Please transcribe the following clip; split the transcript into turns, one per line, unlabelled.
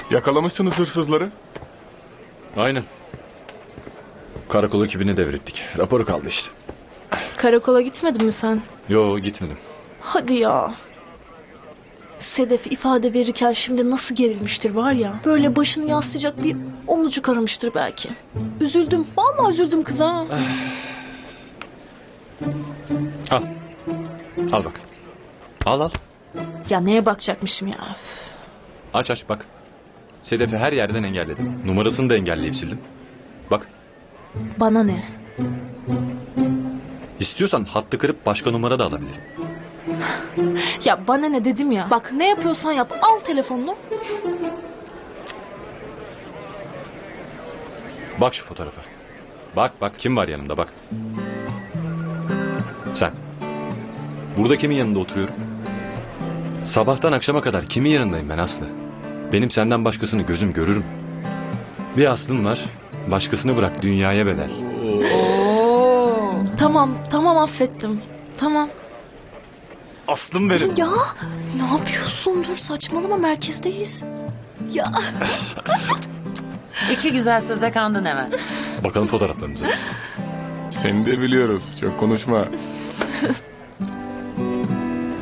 Yakalamışsınız hırsızları.
Aynen. Karakol ekibini devrettik. Raporu kaldı işte.
Karakola gitmedin mi sen?
Yo, gitmedim.
Hadi ya. Sedef ifade verirken şimdi nasıl gerilmiştir var ya. Böyle başını yaslayacak bir omuzcuk aramıştır belki. Üzüldüm. Vallahi üzüldüm kıza.
Al. Al bak. Al.
Ya neye bakacakmışım ya.
Aç bak. Sedef'i her yerden engelledim. Numarasını da engelleyip sildim. Bak.
Bana ne?
İstiyorsan hattı kırıp başka numara da alabilirim.
Ya bana ne dedim ya. Bak ne yapıyorsan yap. Al telefonunu.
Bak şu fotoğrafa. Bak kim var yanımda bak. Sen. Burada kimin yanında oturuyorum? Sabahtan akşama kadar kimin yanındayım ben Aslı? Benim senden başkasını gözüm görürüm. Bir aslım var. Başkasını bırak dünyaya bedel.
Tamam affettim. Tamam.
Aslım benim.
Ya ne yapıyorsun? Dur saçmalama merkezdeyiz. Ya
İki güzel söze kandın hemen.
Bakalım fotoğraflarımıza.
Seni de biliyoruz. Çok konuşma.